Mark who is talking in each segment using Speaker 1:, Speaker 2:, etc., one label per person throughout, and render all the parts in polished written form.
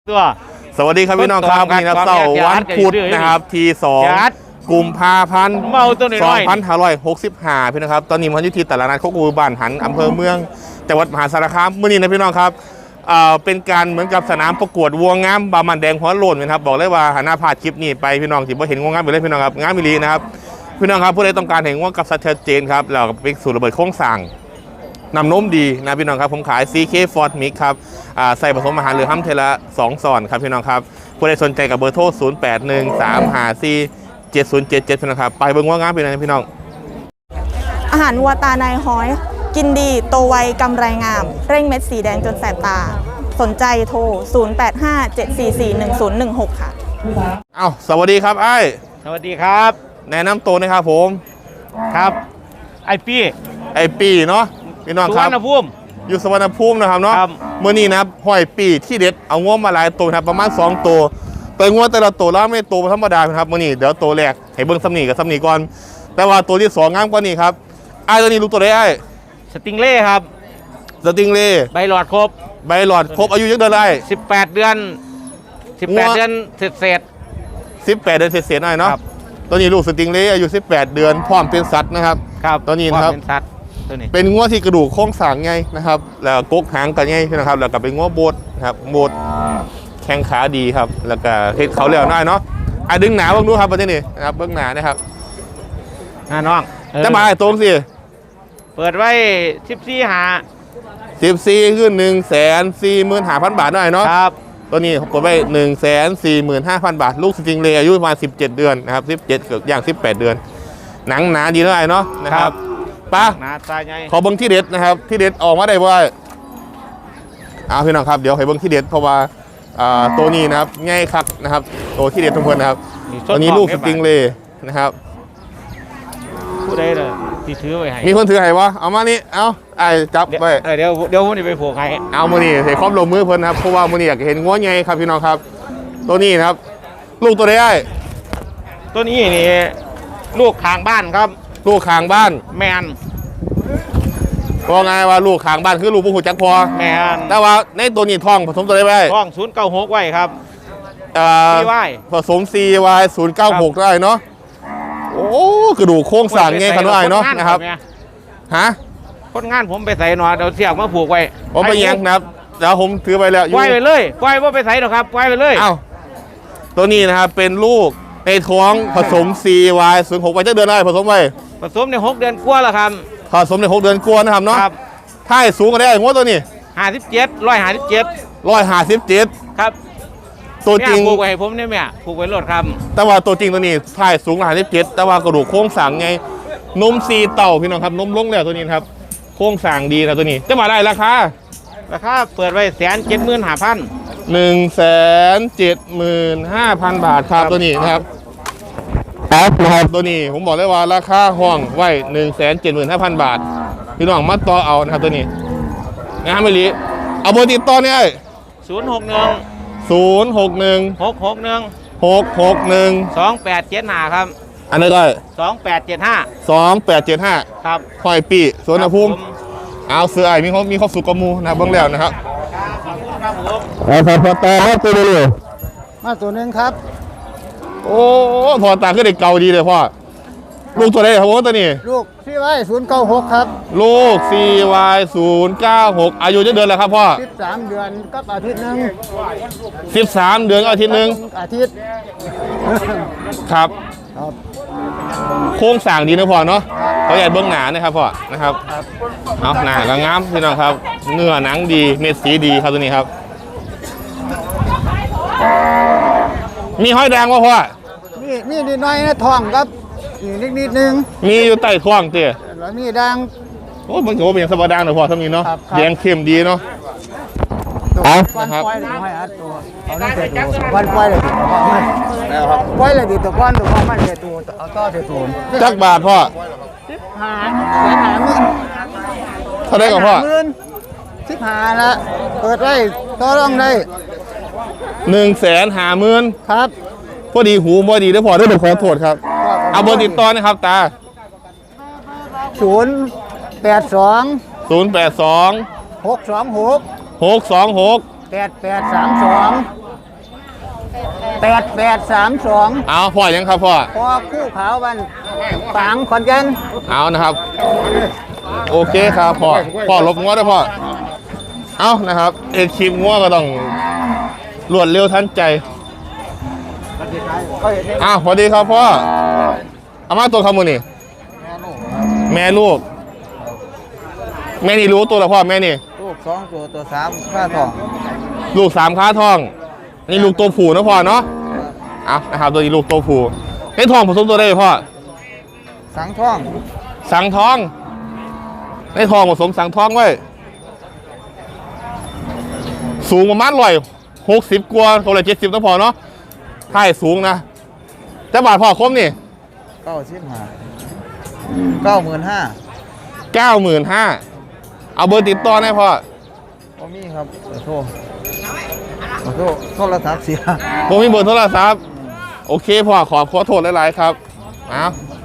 Speaker 1: ตัว
Speaker 2: สวัสดีครับพี่น้องครับวันนี้นะเสาร์วันพุธนะครับที่2 กุมภาพันธ์ 2565พี่นะครับตอนนี้มันอยู่ที่ตลาดนัดโคกอูบ้านหันอำเภอเมืองจังหวัดมหาสารคามเมื่อนี้นะพี่น้องครับเป็นการเหมือนกับสนามประกวดวัวงามบามันแดงหัวโล้นนะครับบอกเลยว่าหันหน้าพาดคลิปนี้ไปพี่น้องที่บ่เห็นวัวงามไปเลยพี่น้องครับงามมิลีนะครับพี่น้องครับผู้ใดต้องการเห็นวัวกับชัดเจนครับเราเป็นสูตรระเบิดโค้งสั่งนำนมดีนะพี่น้องครับผมขาย CK Ford Mix ครับใส่ผสมอาหารหรือห้ำเทละ2 ซอนครับพี่น้องครับผู้ใดสนใจกับเบอร์โทร 0813547077 พี่น้องครับไปเบิ่งว่างามเป็นไงพี่น้อง
Speaker 3: อาหารวัวตาในห้อยกินดีโตไวกำไรงามเร่งเม็ดสีแดงจนแสบตาสนใจโทร 0857441016 ค่ะ
Speaker 2: สวัสดีครับไอ้
Speaker 1: สวัสดีครับ
Speaker 2: แนะนำตัวนะครับผม
Speaker 1: ครับไอปี้
Speaker 2: เนาะพี่น้องครับ
Speaker 1: สุวรรณภูมิ
Speaker 2: อยู่สุวรรณภูมินะครับเนาะเมื่อนี้นะครับห้อยปีที่เด็ดเอาง้วมาหลายตัวครับประมาณ2 ตัวแต่ง้วแต่ละตัวแล้วไม่ตัวธรรมดาครับเมื่อนี้เดี๋ยวตัวแรกให้เบิ้งซ้ำนี่กับซ้ำนี่ก่อนแต่ว่าตัวที่2งามกว่านี้ครับไอ้ตัวนี้รู้ตัวได้ไอ้
Speaker 1: สติงเล่ครับ
Speaker 2: สติงเล่
Speaker 1: ใบหลอดครบ
Speaker 2: อายุยังเดือนอะไร
Speaker 1: 18 เดือนเศษ
Speaker 2: 18 เดือนเศษหน่อยเนาะตัวนี้ลูกสติงเล่อายุ18 เดือนพร้อมเป็นสัตว์นะครับตัวนี้นะครับเป็นง้วที่กระดูกโค้งสางไงนะครับแล้วกกหางกันไงนะครับแล้วก็เป็นง้วโบดครับโบดแข้งขาดีครับแล้วก็เฮ็ดเขาเลี้ยวหน่อยเนาะดึงหนาบ้างดูครับประเด็นนี้นะครับเบื้องหนานะครับ
Speaker 1: น้อง
Speaker 2: จะมาตรงสิ
Speaker 1: เปิดไว้
Speaker 2: 14คือ145,000 บาทหน่อยเนาะครับตัวนี้เปิดไว้145,000 บาทลูกสติงเล่อายุประมาณ17 เดือนนะครับ17เกือบอย่าง18 เดือนหนังหนาดีหน่อยเนาะนะครับป้าขอเบิ้งที่เด็ดนะครับที่เด็ดออกมาได้ว่าพี่น้องครับเดี๋ยวให้เบิ้งที่เด็ดเพราะว่าตัวนี้นะครับง่ายคักนะครับตัวที่เด็ดทุกคนนะครับตัวนี้ลูกสติงเล่นะครับ
Speaker 1: ผู้ใดเลยที่ถือไว้ให้
Speaker 2: มีคนถือให้วะเอามานี่เอาไอ้จับไป
Speaker 1: เดี๋ยวผมจะไปผูกให้
Speaker 2: เอามือนี่ใส่ความลงมือเพิ่นนะครับเพราะว่ามือนี่อยากเห็นง้วไงครับพี่น้องครับตัวนี้นะครับลูกตัวใดไอ้
Speaker 1: ตัวนี้นี่ลูกข้างบ้านครับ
Speaker 2: ลูกข้างบ้าน
Speaker 1: แมน
Speaker 2: ว่าไงว่าลูกข้างบ้านคือลูกผู้หูจักพอ
Speaker 1: แมน
Speaker 2: แต่ว่าในตัวนี้ท้องผสมตัวใดไว้
Speaker 1: ท้อง096ไว้ครับ
Speaker 2: ผสม CY 096ได้เนาะโอ้กระดูกโค้งสร้างไงขนาดเนาะนะครับฮะ
Speaker 1: คนงานผมไปใส่หน่อยเดี๋ยวเสียกมาผูกไว้
Speaker 2: ผมไปยังนะครับเดี๋ยวผมถือไปแล้ว
Speaker 1: ปล่อยไปเลยปล่อยว่าไปใส่หรอกครับปล่อยไปเลย
Speaker 2: ตัวนี้นะครับเป็นลูกในท้องผสม CY 06ไปจะเดือนอะไรผสมไป
Speaker 1: ผสมใน6 เดือนกว่าแล้วครับ
Speaker 2: ผสมใน6 เดือนกว่านะครับเนาะถ้าสูงกันได้งวดตัวนี้
Speaker 1: 157ครับ
Speaker 2: ตัวจริง
Speaker 1: ผูกไว้ให้ผมเนี่ยแม่ผูกไว้รถครับ
Speaker 2: แต่ว่าตัวจริงตัวนี้ถ้าสูง157แต่ว่ากระดูกโค้งสร้างไงนมซีเต่าพี่น้องครับนมลงแล้วตัวนี้ครับโค้งสร้างดีนะตัวนี้จะมาได้ราคา
Speaker 1: เปิดไว้175,000
Speaker 2: 175,000 บาทครับตัวนี้นะครับตัวนี้ผมบอกเลยว่าราคาห้องไว้175,000 บาทพี่น้องมาต่อเอานะครับตัวนี้งานไม่ลีเอาเบอร์ติดต่อเนี่ย
Speaker 1: 061 2875ครับ
Speaker 2: อันนี้ก็
Speaker 1: 2875ครับ
Speaker 2: ห้อยปีสวนภูมิเอาเสือไอ้มีข้อสุกมูนะเบื้องแล้วนะครับพอตาตัวเดียว
Speaker 4: มาตัวนึงครับ
Speaker 2: โอ้พอตาก็เด็กเก่าดีเลยพ่อลูกตัวไหนครับผมตัวนี้
Speaker 4: ลูก CY 096ครับ
Speaker 2: ลูก CY 096อายุจะเดือนแล้วครับพ่อ
Speaker 4: 13 เดือนกับอาทิตย์นึง
Speaker 2: 13 เดือนกับอาทิตย์นึงครับโค้งสร้างดีนะพ่อเนาะเขาใหญ่เบื้องหนานะครับพ่อนะครับเอาหนาก็งามพี่น้องครับเนื้อหนังดีเม็ดสีดีครับตัวนี้ครับมีห้อยแดงวะพ่อ
Speaker 4: นี่นิดหน่อยนะท้องครับนิดนึง
Speaker 2: มีอยู่ใต้ท้องเตี้ย
Speaker 4: แล้วมีดัง
Speaker 2: โอ้มันถือว่าเป็นสบายดังหน่อยพ่อทำนี้เนาะแดงเข้มดีเนาะ
Speaker 4: นะครับเอานั่นเสร็จตัววันปล่อยเลยปล่อยเลยดิตัวก้อนมันเสร็จตัวเอาต่อเสร็จตัว
Speaker 2: จักบาทพ่อเท่าไรกับพ่อ
Speaker 4: 15ละเปิดได้ต่อรองได้
Speaker 2: 150,000
Speaker 4: ครับ
Speaker 2: พอดีหูพอดีได้พอได้เป็นขอโทษครับเอาเบอร์ติดต่อนะครับตา
Speaker 4: 082 626
Speaker 2: 8832
Speaker 4: 8832
Speaker 2: เอาพ่อยังครับพ่อ
Speaker 4: พอคู่ขาววันฝางขอนแก่น
Speaker 2: เอานะครับ โอเคครับพ่อลบงัวด้วยพ่อเอานะครับคลิปงัวก็ต้องรวดเร็วทันใจสวัสดีครับพ่อเอามาตัวคำมือนี่แม่ลูกแม่นี่รู้ตัวละพ่อแม่นี่
Speaker 4: ลูก2ตัว3ค่าทอง
Speaker 2: ลูก3ค้าทองนี่ลูกตัวผู้นะพ่อเนาะเอานะครับตัวนี้ลูกตัวผู้ให้ทองผสมตัวได้ไหมพ่อ
Speaker 4: สังทอง
Speaker 2: สังทองให้ทองผสมสังทองไว้สูงประมาณ160กว่าตัวละ70นะพ่อเนาะถ่ายสูงนะจะบาทพ่อคมนี่
Speaker 4: 95,000
Speaker 2: 95,000เอาเบอร์ติดต่อได้พ่อ
Speaker 4: บ่มีครับขอโทษโทรศัพท์เสีย
Speaker 2: ผมมีเบอร์โทรศัพท์โอเคพ่อขอโทษหลายๆครับเอา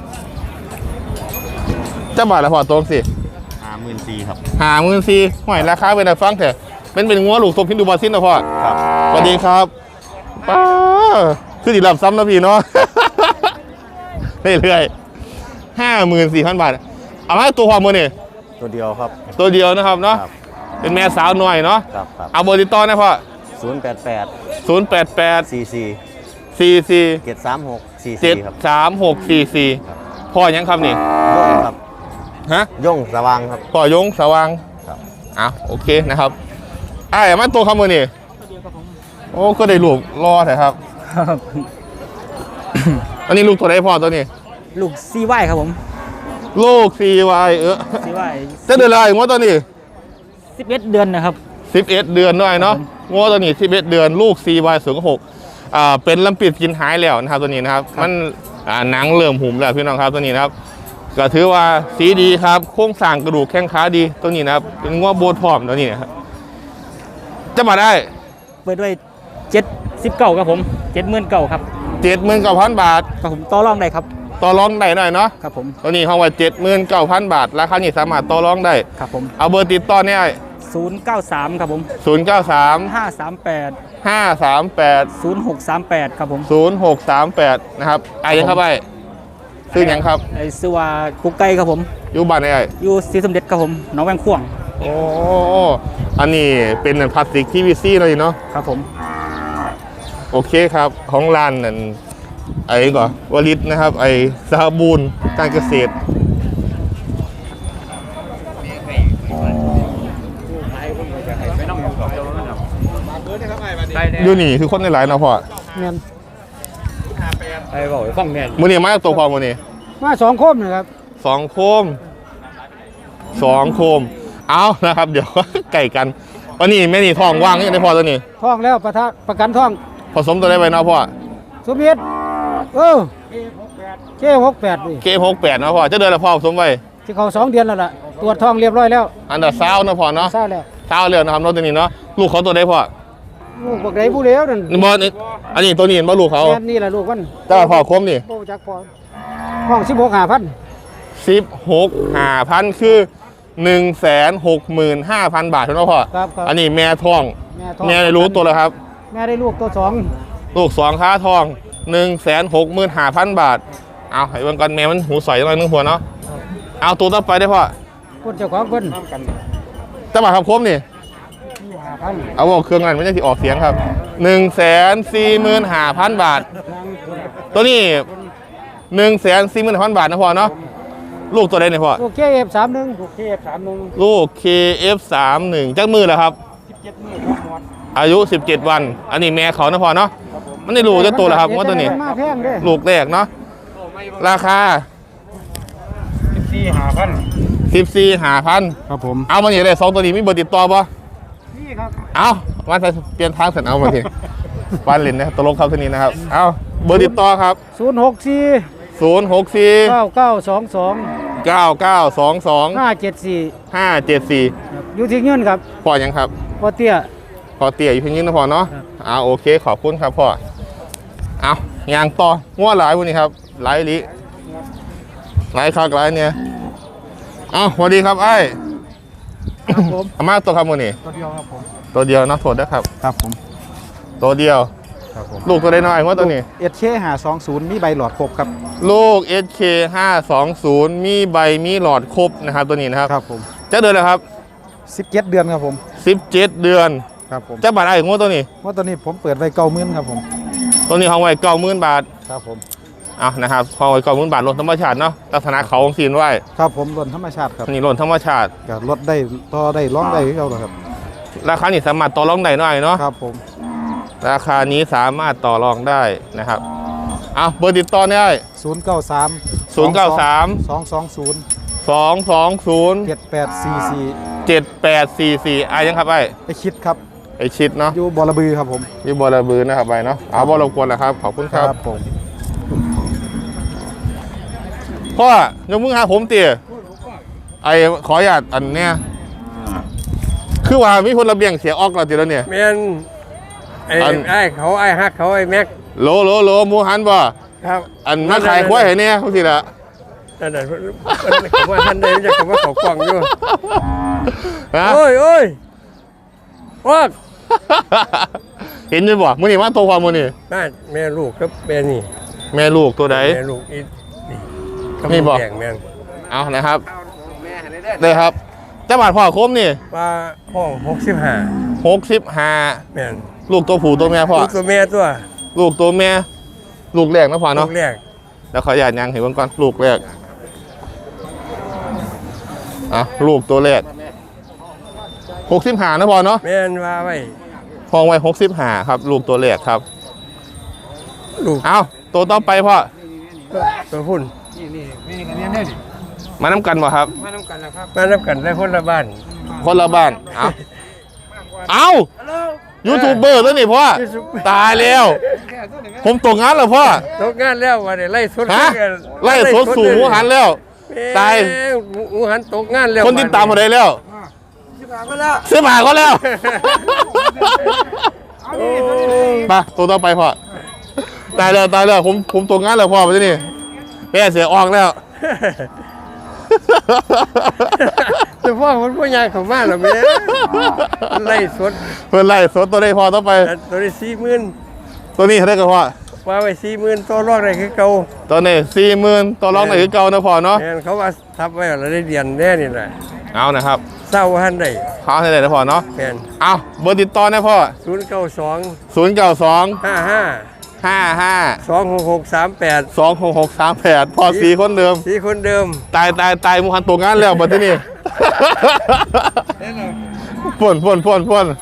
Speaker 2: จะบาทละพ่อตรงสิ
Speaker 1: 54,000ครับ
Speaker 2: 54,000ห่วยราคาเป็นอะไรฟังเถอะเป็นงัวลูกทรงพินดูบอลซินนะพ่อ
Speaker 1: ครับ
Speaker 2: สวัสดีครับป้าคือดีรับซ้ำนะพี่เนาะ เรื่อยๆ54,000 บาทเอามาตัวพ่อมือนี่
Speaker 1: ตัวเดียวครับ
Speaker 2: ตัวเดียวนะครับเนาะ
Speaker 1: ครับ
Speaker 2: เป็นแม่สาวหน่อยเนาะ
Speaker 1: ครับ
Speaker 2: เอาเบอร์ติดต่อนะพ่อ
Speaker 1: 088
Speaker 2: 088
Speaker 1: 44
Speaker 2: 44
Speaker 1: 736 44ครับ
Speaker 2: 73644พ่อยังครับนี่
Speaker 1: ย่งครับ
Speaker 2: ฮะ
Speaker 1: ย่งสว่างครับ
Speaker 2: พ่อยงสว่าง
Speaker 1: ครับ
Speaker 2: โอเคนะครับมาตัวคำมือนี่โอ้ก็ได้ลูกรอเถอะครับ อันนี้ลูกตัวไหนพ่อตัวนี้
Speaker 5: ลูกซีไว้ครับผม
Speaker 2: ลูก CY
Speaker 5: ซีไว้
Speaker 2: จะเดือนอะไรงวดตัวนี้
Speaker 5: 11 เดือนนะครับ
Speaker 2: 11 เดือนด้วยเนาะงวดตัวนี้11 เดือนลูก CY 06เป็นลำปิดกินหายแล้วนะครับตัวนี้นะครับมันหนังเริ่มหุ่มแล้วพี่น้องครับตัวนี้นะครับก็ถือว่าสีดีครับโครงสร้างกระดูกแข้งขาดีตัวนี้นะครับเป็นงวดโบนพร้อมตัวนี้นะครับจะมาได้
Speaker 5: เปิดด้วย79ครับผม79,000ครับ
Speaker 2: 79,000 บาท
Speaker 5: ครับผมต่อรองได้ครับ
Speaker 2: ต่อรองได้หน่อยเนาะ
Speaker 5: ครับผม
Speaker 2: ตัวนี้ห้องว่า79,000 บาทราคานี้สามารถต่อรองได้
Speaker 5: ครับผม
Speaker 2: เอาเบอร์ติดต่อเนี่ย
Speaker 5: 093ครับผม
Speaker 2: 093
Speaker 5: 538
Speaker 2: 538
Speaker 5: 0638ครับผม
Speaker 2: 0638นะครับยังครับซื้อยังครับ
Speaker 5: ไอ้ซื้อว่ากุ๊กไก่ครับผม
Speaker 2: อยู่บ้านไหน
Speaker 5: อยู่ศรีสมเด็จครับผมหนองแวงข่วง
Speaker 2: โอ้อันนี้เป็นพลาสติกที่วีซี่เลยเนาะ
Speaker 5: ครับผม
Speaker 2: โอเคครับของร้านนั่นก่อนวลิตนะครับสหบูรณ์การเกษตรอยู่นี่คือคนในหลายเนาะพ่อ
Speaker 5: แม่นไปบอกฟังแม่น
Speaker 2: มือนี้มาจากตัวพ่อมือนี้
Speaker 5: มา2โคมนะครับ
Speaker 2: 2 โคม เอานะครับ เดี๋ยว ไก่กันวันนี้แม่นี่ทองว่างยังได้พอตัวนี้
Speaker 5: ท่องแล้วประกันท่อง
Speaker 2: ผสมตัวได้ไปเนาะพ่อ
Speaker 5: สมเด็จเK68นี่
Speaker 2: เกม68เนาะพ่อจะเดินละพ่อผสมไว้
Speaker 5: ที่เขา2 เดือนแล้วล่ะตรวจท้องเรียบร้อยแล้ว
Speaker 2: อันดับเนาะพ่อเนาะ
Speaker 5: ทราบแล้ว
Speaker 2: เช้าเร็วนะครับน้องตัวนี้เนาะลูกเขาตัวได้พ่อ
Speaker 5: ลูกบักไดผู้เลี้ยวนั่น
Speaker 2: นี่บอลอันนี้ตัวนี้เห็นบ่ลูกเขา
Speaker 5: แม่นนี่แหละลูกมัน
Speaker 2: เจ้าพ่อคมนี่
Speaker 5: โอ้จักพอห้อง16,500
Speaker 2: 16,500คือ165,000 บาทเท่านั้นพ่อ
Speaker 5: ครับ
Speaker 2: อันนี้แม่ทอง
Speaker 5: ท้อง
Speaker 2: แม่ได้รู้ตัวแล้วครับ
Speaker 5: แม่ได้ลูกตัว2
Speaker 2: ลูก2ค้าทอง 165,000 บาทเอาให้เบิ่งก่อนแม่มันหูใสจังเลยนึงหัวเนาะเอาตัวต่อไปได้พ่อ
Speaker 5: คนเจ้าของเพิ่น
Speaker 2: เจ้าบ่าวครับคมนี่
Speaker 5: 5,000
Speaker 2: เอาบอกเครื่องนั้นไม่ใช่ที่ออกเสียงครับ 145,000 บาท ตัวนี้ 145,000 บาทนะพ่อเนาะลูกตัวใดเนี่ยพ่อ
Speaker 5: ลูก KF31 ลูก KF31
Speaker 2: ลูก KF31 จักมือแล้วครับ
Speaker 5: 17 มื้อครับหมด
Speaker 2: อายุ 17 วัน อันนี้แม่เขานะพ่อเนาะมันได้ลูกจะตัวแล้วครับว่าตัวนี้
Speaker 5: มาแพงเด้
Speaker 2: ลูกแรกเนาะราคา 14,500
Speaker 5: ครับผม
Speaker 2: เอามาอย่างไร2ตัวนี้มีเบอร์ติดต่อป่ะ
Speaker 5: นี่ครับ
Speaker 2: เอามาใส่เปลี่ยนทางเสร็จเอามาทีวันเล่นนะตลกครับที่นี้นะครับเอาเบอร์ติดต่อครับ
Speaker 5: 064
Speaker 2: 064
Speaker 5: 9922
Speaker 2: 9922
Speaker 5: 574
Speaker 2: 574
Speaker 5: อยู่ที่เงินครับ
Speaker 2: พ่อยังครับ
Speaker 5: พ่อเตี้ย
Speaker 2: พ่อเตี้ยอยู่เพียงนี้นะพ่อเนาะ
Speaker 5: ครับ
Speaker 2: โอเคขอบคุณครับพ่อเอายางต่อง้อหลายวันนี้ครับหลายลิหลายคักหลายเนี่ยเอาสวัสดีครับไอ้
Speaker 5: ครับผม
Speaker 2: อามาตัวครับวันนี้
Speaker 5: ตัวเดียวครับผม
Speaker 2: ตัวเดียวนะโทษนะครับ
Speaker 5: ครับผม
Speaker 2: ตัวเดียว
Speaker 4: ครับผม
Speaker 2: ลูกตัวได้น้อยว่าตัวนี้
Speaker 4: SK 520มีใบหลอดครบครับ
Speaker 2: ลูก SK 520มีใบมีหลอดครบนะครับตัวนี้นะครับ
Speaker 4: ครับผม
Speaker 2: จะเดือนแล้วครับ
Speaker 4: 17 เดือนครับผม
Speaker 2: 17 เดือน
Speaker 4: ครับผม
Speaker 2: จะบาทไอ้ของตัวนี้
Speaker 4: ว่าตัวนี้ผมเปิดไว้90,000ครับผม
Speaker 2: ตัวนี้ห้องไว้90,000 บาท
Speaker 4: ครับผม
Speaker 2: เอานะครับห้องไว้90,000 บาทลดธรรมชาติเนาะลักษณะเขาของซีนไว้
Speaker 4: ครับผมล้นธรรมชาติครับ
Speaker 2: อันนี้ลดธรรมชาติ
Speaker 4: ก็ลดได้ต่อได้ร้องได้ที่เราครับ
Speaker 2: ราคานี้สามารถต่อรองได้หน่อยเนาะ
Speaker 4: ครับผม
Speaker 2: ราคานี้สามารถต่อรองได้นะครับเอาเบอร์ติดต่อได้
Speaker 4: 093
Speaker 2: 093
Speaker 4: 220
Speaker 2: 220
Speaker 4: 7844
Speaker 2: 7844อ่ะยังครับไอ้
Speaker 4: ไปคิดครับ
Speaker 2: ไอชิดเนาะ
Speaker 4: อยู่บอระบือครับผม
Speaker 2: อยู่บอระบือนะครับไปเนาะเอาบอรบกวนนะครับขอบคุณครับ
Speaker 4: ผม
Speaker 2: พ่อยกมือหาผมเตี๋ยไอขออนุญาตอันเนี้ยคือว่ามีคนระเบียงเสียออกแล้วตีแล้วเนี่ย
Speaker 6: แม่นไอ้เขาไอ้ฮักเขาไอ้แม็ก
Speaker 2: โหลหมูหันบ่
Speaker 6: ครับ
Speaker 2: อันมาขายควายให้เนี่ยเขาสิละ
Speaker 6: นั่นน่ะผมว่าท่านใดมันจะผมว่าเขากล่องอยู่
Speaker 2: ฮะ
Speaker 6: โอ้ยว่า
Speaker 2: เห็นอยู่บ่มื้อนี้มาโตความมื้อนี้
Speaker 6: บ้านแม่ลูกกับแม่นี่
Speaker 2: แม่ลูกตัวใด
Speaker 6: แม่ลูกอีนี่
Speaker 2: นี่บอก
Speaker 6: แข่งแม่น
Speaker 2: เอานะครับได้ครับเจ้าบาทพ่อคมนี่
Speaker 6: ว่าห้อง65
Speaker 2: 65
Speaker 6: แม่น
Speaker 2: ลูกตัวผู้ตัวแม่พ่อ
Speaker 6: ลูกตัวแม่ตัว
Speaker 2: ลูกตัวแม่ลูกแรกนะพ่อ
Speaker 6: ลู
Speaker 2: เนาะ
Speaker 6: กแรก
Speaker 2: แล้วขออนุญาตยังเห็นเบิ่งก่อนลูกแรกลูกตัวแรก65นะพ่อเนาะ
Speaker 6: แม่นว่าไว้
Speaker 2: ห้องไว้65ครับลูกตัวแรกครับ
Speaker 6: ลูก
Speaker 2: เอาตัวต่อไปพ่อ
Speaker 6: ตัวพุ่น
Speaker 2: มาน้ำกันบ่ครับ
Speaker 6: มาน้ำกันได้คนละบ้าน
Speaker 2: คนละบ้านเอายูทูบเบอร์แล้วนี่พ่อตายแล้ว ผมตกงานแล้วพ่อ
Speaker 6: ตกงานแล้วว่าได้ไล่สด
Speaker 2: ฮะไล่สดสู่หมูหันแล้ว ตาย
Speaker 6: หมูหันตกงานแล้ว
Speaker 2: คนติดตามหมดเลยแล้วซื้อหมาก็แล้วไปตัวต่อไปพ่อตายแล้วผมตกงานแล้วพ่อไปที่นี่แม่เสียออกแล้ว
Speaker 6: แต่พ่อคนพ่อยางเขามาแล้วแม่ไล่สด
Speaker 2: เพื่อนไล่สดตัวได้พอต่อไป
Speaker 6: ตัวนี้40,000
Speaker 2: ตัวนี้เขาได้กับพ่อ
Speaker 6: ว่าไว้40,000ตัวรอกได้คือเก่า
Speaker 2: ตัวนี้40,000ตัวร้องไหนคือเก่านะพ่อเนาะ
Speaker 6: แม่นเขาว่าทับไว้แล้วได้เดือนแน่นี่แหละ
Speaker 2: เอานะครับ
Speaker 6: เศร้าหันได้
Speaker 2: ค้าให้ได้นะพ่อเนาะ
Speaker 6: แม่น
Speaker 2: เอาเบอร์ติดต่อนะพ่อ
Speaker 6: 092
Speaker 2: 092
Speaker 6: 55
Speaker 2: 55
Speaker 6: 26638
Speaker 2: 26638พ่อสีคนเดิม
Speaker 6: สีคนเดิม
Speaker 2: ตายมูฮันตัวงานแล้วบัดที่นี่ พ่น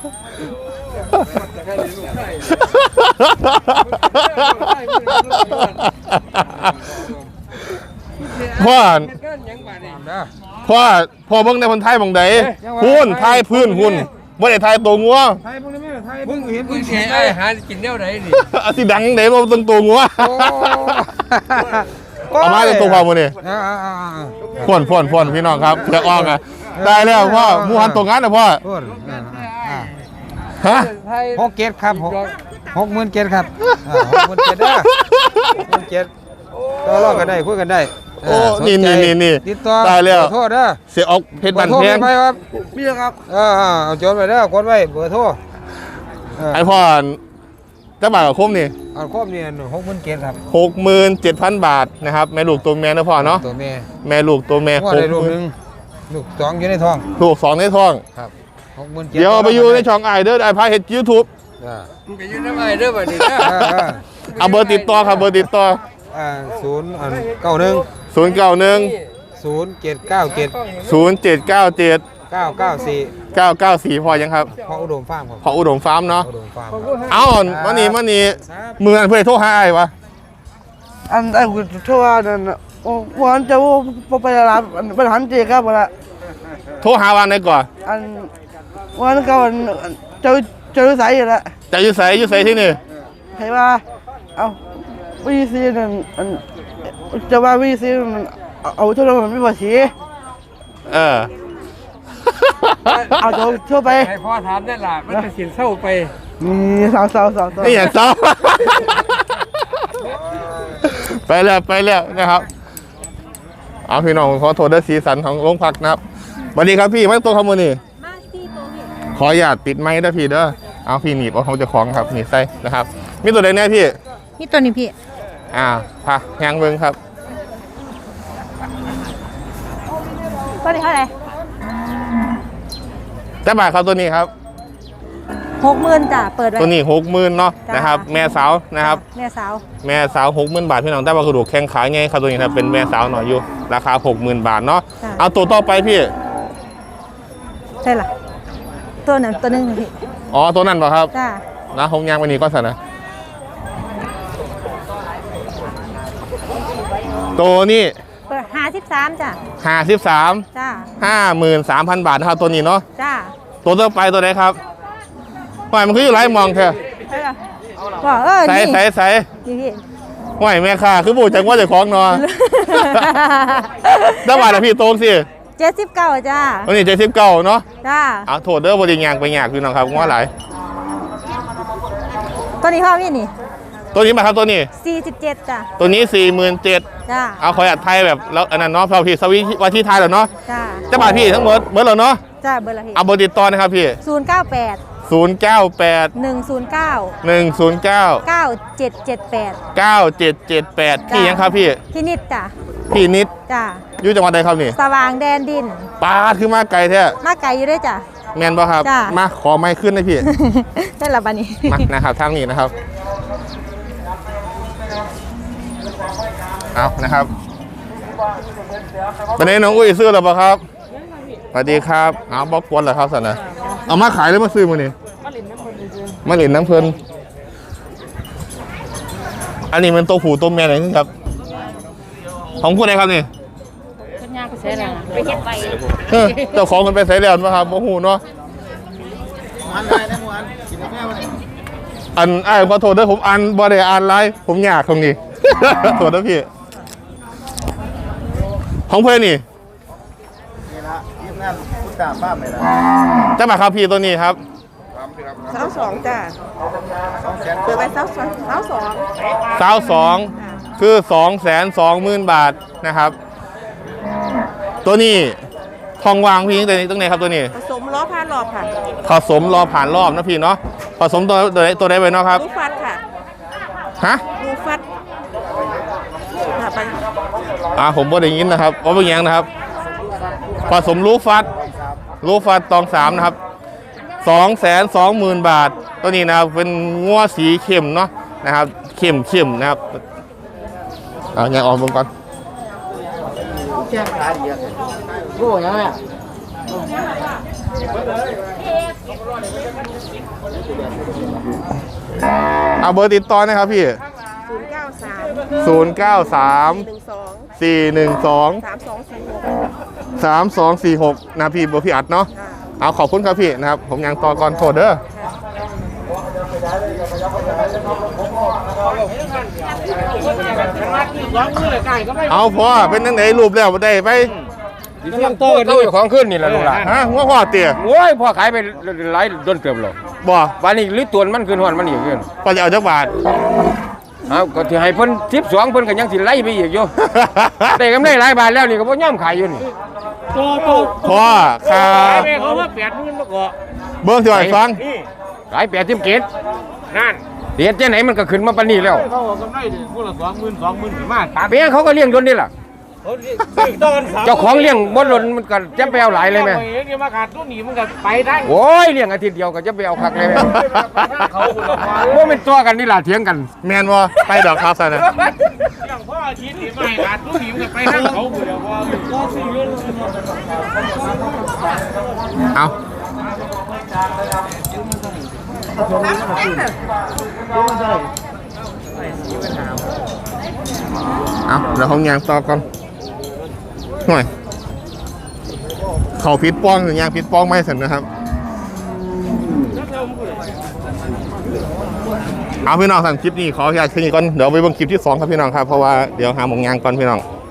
Speaker 2: พ่อเบิ่งในคนไทยบางใดหุ่นไทยพื้นหุ่นบ่ได้ไทยตัวงัว
Speaker 6: มึงเห็นมึงเสียไอ้หากินแนวไหนนี่
Speaker 2: สิดังไหนบ่ต้องตัวงัวเอามาจากตัวพ่อมื้อนี้พ่นพี่น้องครับเสือออกอ่ะได้แล้วพ่อมูฮันตัวงานนะพ่อฮะ
Speaker 4: 67ครับ67,000ครับ67,000เด้อ67,000ต่อรองกันได้คุยกันได้
Speaker 2: โอ้นี่
Speaker 4: ติดต่อ
Speaker 2: ได้แล้ว
Speaker 4: โทษเด้อ
Speaker 2: เสียออกเพชรบันแพง
Speaker 4: ไปครับมีครับเอาจดไว้เด้อกดไว้เบอร์โทร
Speaker 2: ไอพ่อจะบาทกับคุ้มนี่
Speaker 4: เอาครบนี่67,000ครับ
Speaker 2: 67,000 บาทนะครับแม่ลูกตัวแม่นะพ่อเนาะ
Speaker 4: ตัวแม่
Speaker 2: แม่ลูกตัวแม่
Speaker 4: ว่าได้ลูกหนึงลูก2อยู่ในท้อง
Speaker 2: ลูก2ในท้อง
Speaker 4: ครับ67,000
Speaker 2: เดี๋ยวเอาไปอยู่ในช่องไอเด้อไอพาเฮ็ด YouTube
Speaker 6: มึงไปยืนน้ำไอ้เด้อบัดนี้นะ
Speaker 2: เอาเบอร์ติดต่อครับเบอร์ติดต่อ
Speaker 4: 091
Speaker 2: 091
Speaker 4: 0797
Speaker 2: 0797
Speaker 4: 994
Speaker 2: 994พอยังครับ
Speaker 4: พออุดมฟาร์มครับ
Speaker 2: พออุดมฟาร์มเนาะ
Speaker 4: อุดมฟาร์ม
Speaker 2: เอามานี่มืออันเพื่อโทรหาไอ้วะ
Speaker 7: อันไอ้คุณโทรว่านั่นน่ะโอ้วันจะว่าไปรับไปหันเจครับว่าละ
Speaker 2: โทรหาวันไหนก่อน
Speaker 7: อันวันก็วันเจ้าสายอยู่ละ
Speaker 2: จะอยู่ใส่ที่นี่
Speaker 7: ใครว่าเอาวีซีนั่นอันจะว่าวีซีมันเอาโทรศัพท์มันไม่พอสี
Speaker 2: เออ
Speaker 7: เอาโทรไป
Speaker 6: ให้พ่อถามได้ล่ะมันจะสินเศร้าไป
Speaker 7: นี่สาว
Speaker 2: นี่อย่างเศร้า ไปแล้วนะครับเอาพี่น้องขอโทษด้วยสีสันของโรงพักนะครับสวัสดีครับพี่ไม่ตัวขโมยนี่ขออย่าติดไม้ด้วยพี่เด้อเอาพี่หนีบเอาเขาจะคล้องครับหนีบใส่นะครับมีตัวใดแน่พี่
Speaker 8: นี่ตัวนี้พี่
Speaker 2: พาแหงเบิ้งครับ
Speaker 8: ตัวนี้เท่าไหร่
Speaker 2: แต่บาทครับตัวนี้ครับ
Speaker 8: 60,000จ้ะเปิดไว้
Speaker 2: ตัวนี้60,000เนาะ
Speaker 8: จ้ะ
Speaker 2: นะครับแม่สาวนะครับ
Speaker 8: แม่สาว
Speaker 2: แม่สาว60,000 บาทพี่น้องแต่ว่ากระดูกแข้งขาไงครับตัวนี้ครับเป็นแม่สาวหน่อยอยู่ราคา 60,000 บาทเนาะ
Speaker 8: จ้ะ
Speaker 2: เอาตัวต่อไปพี่
Speaker 8: ใช่ล่ะตัวหนึ่งพี่
Speaker 2: อ๋อตัวนั้นเหรอครับ
Speaker 8: จ้า
Speaker 2: นะหงยางวันนี้ก็สั่นนะตัวนี้
Speaker 8: เปิด53จ้ะ
Speaker 2: 53
Speaker 8: จ้า
Speaker 2: 53,000 บาทนะครับตัวนี้เนาะ
Speaker 8: จ้า
Speaker 2: ตัวต่อไปตัวไหนครับหอยมันคืออยู่ไรมองเถอะ
Speaker 8: ใช่ล่ะว่า
Speaker 2: ใส่
Speaker 8: นี่นี่พี่
Speaker 2: หอยแม่ค่าคือบูจังว่าจะคล้องนอนได้บาทนะพี่โต้งสิ
Speaker 8: 79จ้า
Speaker 2: ตัวนี้79เนาะ
Speaker 8: จ้า
Speaker 2: เอาโทษเด้อบริยางไปยากพี่น้องครับว่าหลาย
Speaker 8: ตัวนี้พ่อพี่นี่
Speaker 2: ตัวนี้มาครับตัวนี้
Speaker 8: 47จ้ะ
Speaker 2: ตัวนี้ 47,000
Speaker 8: จ้า
Speaker 2: เอาคอยอัดไทยแบบแล้วอันนั้นเนาะพอพี่สวิตที่ไทยแล้วเนาะ
Speaker 8: จ้า
Speaker 2: จะบาทพี่ทั้งหมดเบิร์ดแล้วเนาะ
Speaker 8: จ้าเบอร์ละพี่
Speaker 2: เอาเบอร์ติดต่อนะครับพี่
Speaker 8: 098
Speaker 2: 098
Speaker 8: 109
Speaker 2: 109
Speaker 8: 9778
Speaker 2: 9778พี่ยังครับพี่
Speaker 8: พี่นิดจ้ะ
Speaker 2: พี่นิด
Speaker 8: จ้า
Speaker 2: อยู่จังหวัดใดครับนี่
Speaker 8: สว่างแดนดิน
Speaker 2: ปาดคือมาไกลแท้
Speaker 8: มาไกลอยู่ด้วยจ้ะ
Speaker 2: แมนป่ะครับ
Speaker 8: จ้ะ
Speaker 2: มาขอไม้ขึ้นนะพี่
Speaker 8: ได้ละบันนี้
Speaker 2: มานะครับทางนี้นะครับเอานะครับตอนนี้น้องอุ้ยซื้อหรือเปล่าครับสวัสดีครับเอาบล็อกกวนเหรอครับสันนะเอามาขายหรือมาซื้อมานี่มาหลินน้ำเพลินอันนี้มันตัวผู้ตัวแม่ไหนครับของผู้ใดครับนี่เจ้าของมันไปใส่แล้วนะครับโอ้โหเนาะอันขอโทษด้วยผมอ่านบ่ได้อ่านไลฟ์ผมอยากตรงนี้ โทษนะพี่ของเพื่อนนี่จะมาครับพี่ตัวนี้ครับ
Speaker 7: 22จ้ะเปิดไป
Speaker 2: 22คือ 220,000 บาทนะครับ ตัวนี้ทองวางพี่ตัวนี้ตรงไหนครับตัวนี้
Speaker 7: ผสมล้อผ่านรอบค่ะ
Speaker 2: ผสมรอผ่านรอบนะพี่เนาะผสมตัวใดไปเนาะครับ
Speaker 7: ลูกฟัดค่ะ
Speaker 2: ฮะ
Speaker 7: ลูกฟัดค่ะไป
Speaker 2: ผมบ่ได้ยินนะครับว่าเป็นยังนะครับผสมลูกฟัดตอง3นะครับ220,000 บาทตัวนี้นะครับเป็นงัวสีเข้มเนาะนะครับเข้มนะครับยังออกเบิ่งก่อนเอาเบอร์ติดต่อนะครับพี่093 412 3246นะพี่เบอร์พี่อัดเนาะเอาขอบคุณครับพี่นะครับผมยังต่อก่อนโทษเด้อเอาพอเป็นตั้งไหนรูปแล้วได้ไป
Speaker 6: เรื่องโตกันอยู่ของขึ้นนี่แหละลูกหลาน
Speaker 2: ฮะหัวพ่อเตี๋ย
Speaker 6: โอ้ยพ่อขายไปหลายโดนเกือบหรอก
Speaker 2: บ่
Speaker 6: วันนี้ลิตรตัวมันขึ้นหอนมันอีกขึ้น
Speaker 2: พอจะเอาจักบาท
Speaker 6: เอาก็ที่ให้เพิ่น12เพิ่นก็ยังสิไล่ไปอีกอยู่ แต่กำไรหลายบาทแล้วนี่ก็บ่ยอมขายอยู่นี่
Speaker 2: พ่อค่า
Speaker 5: ไปเขาว่า80,000มาก่อ
Speaker 2: เบิ้งสิว่าให้ฟัง
Speaker 6: ขาย80เกต
Speaker 5: นั่น
Speaker 6: เดี๋ยวจังไหนมันก็ขึ้นมาปานนี้แล้ว
Speaker 5: เขาบอกกำไรคนละ20,000ถึงมาตัด
Speaker 6: เปียเขาก็เลี้ยงโดนนี่ล่ะ เจ้าของเลี้ยงบ่ล้นมันก็จะไปเอาหลายเลยแม่
Speaker 5: เองเนี่ยมาขาดตัวหนีมันก็ไปได้
Speaker 6: โอ้ยเลี้ยงอาทิตย์เดียวก็จะไปเอาคักเลยแม่
Speaker 5: เขาคนละ
Speaker 6: บ่เป็นตัวกันนี่ล่ะเถียงกัน
Speaker 2: แมนว่าไปดอกครับซะนะ
Speaker 5: อย่างพ่ออาทิตย์นี่ไม่ขาดตัวหนีมันก็ไปทางเขาคนเดียวพอซื้อเรื่อง
Speaker 2: เอาเดี๋ยวเขายางต่อก่อนหน่อยเขาพิษป้องหรือยางพิษป้องไม่เสร็จนะครับเอาพี่น้องสั่งคลิปนี้ขออนุญาตแค่นี้ก่อนเดี๋ยวไปเบิ่งคลิปที่2ครับพี่น้องครับเพราะว่าเดี๋ยวหาหมองยางก่อนพี่น้อง